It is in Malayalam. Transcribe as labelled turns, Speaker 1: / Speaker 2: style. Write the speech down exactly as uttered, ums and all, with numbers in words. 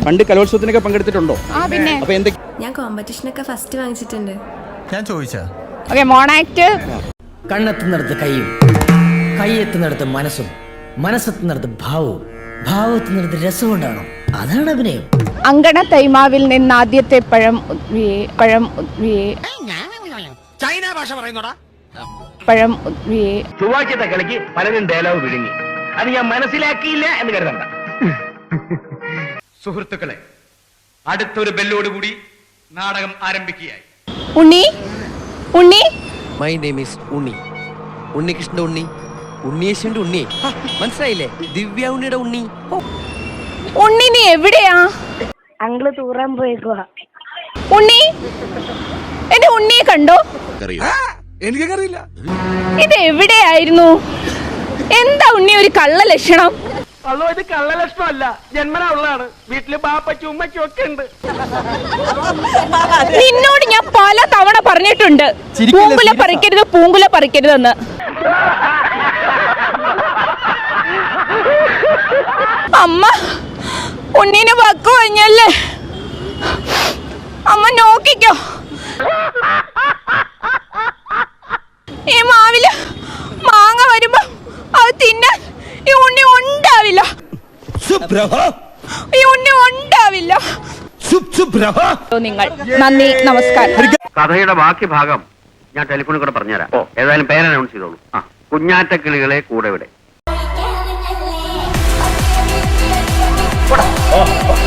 Speaker 1: പണ്ട് കലോത്സവത്തിനൊക്കെ പങ്കെടുത്തിട്ടുണ്ടോ? അപ്പൊ എന്തൊക്കെ?
Speaker 2: ഞാൻ കോമ്പറ്റീഷനൊക്കെ ഫസ്റ്റ് വാങ്ങിച്ചിട്ടുണ്ട്.
Speaker 3: ഞാൻ ചോദിച്ചാ
Speaker 4: ഓക്കെ, മോണാക്ട്.
Speaker 5: കണ്ണെത്തുന്നിടത്ത് കൈയും, കൈയെത്തുന്നിടത്ത് മനസ്സും, മനസ്സെത്തുന്നിടത്ത് ഭാവവും, ഭാവത്തുന്നിടത്ത് രസവും ഉണ്ടാകണം. അതാണ് അഭിനയം.
Speaker 4: അങ്കണ തൈമാവിൽ നിന്ന് ആദ്യത്തെ പഴം പഴം
Speaker 3: ചൈന ഭാഷ പറയുന്നോടാ.
Speaker 4: പഴം
Speaker 6: ചൊവ്വാഴ്ചത്തെ കളിക്ക് പലരും ഡയലോഗ് വിഴുങ്ങി. അത് ഞാൻ മനസ്സിലാക്കിയില്ല എന്ന് കരുതണ്ട. സുഹൃത്തുക്കളെ, അടുത്തൊരു ബെല്ലോടുകൂടി നാടകം ആരംഭിക്കുകയായി.
Speaker 4: Unni Unni
Speaker 7: my name is Unni, ഉണ്ണികൃഷ്ണന്റെ ഉണ്ണി, ഉണ്ണിയേശുവിന്റെ ഉണ്ണി. മനസ്സിലായില്ലേ? ദിവ്യ ഉണ്ണിയുടെ ഉണ്ണി.
Speaker 4: ഉണ്ണി നീ എവിടെയാ?
Speaker 8: അങ്കിള് തൂറാൻ പോയേക്കുവാ.
Speaker 4: ഉണ്ണി, എന്റെ ഉണ്ണിയെ കണ്ടോ?
Speaker 3: എനിക്കറിയില്ല.
Speaker 4: ഇത് എവിടെയായിരുന്നു? എന്താ ഉണ്ണി ഒരു കള്ള ലക്ഷണം?
Speaker 6: അല്ലോ, ഇത് കള്ളലക്ഷണമല്ല, ജന്മനാ ഉള്ളതാണ്. വീട്ടില് ബാപ്പച്ചും ഉമ്മച്ചും ഒക്കെ ഉണ്ട്.
Speaker 4: നിന്നോട് ഞാൻ പല തവണ പറഞ്ഞിട്ടുണ്ട്, പൂങ്കുല പറിക്കരുത് പൂങ്കുല പറിക്കരുതെന്ന്. അമ്മ ഉണ്ണീനെ വക്കു കഴിഞ്ഞല്ലേ, അമ്മ നോക്കിക്കോ. ഈ മാവില് മാങ്ങ വരുമ്പോ അത് തിന്നാൻ ഈ ഉണ്ണി ഉണ്ടാവില്ല, ഈ ഉണ്ണി ഉണ്ടാവില്ല. നിങ്ങൾ നന്ദി, നമസ്കാരം.
Speaker 6: കഥയുടെ ബാക്കി ഭാഗം ഞാൻ ടെലിഫോണിൽ കൂടെ പറഞ്ഞുതരാം. ഓ, ഏതായാലും പേര് അനൗൺസ് ചെയ്തോളൂ. ആ, കുഞ്ഞാറ്റ കിളികളെ കൂടെ ഇവിടെ.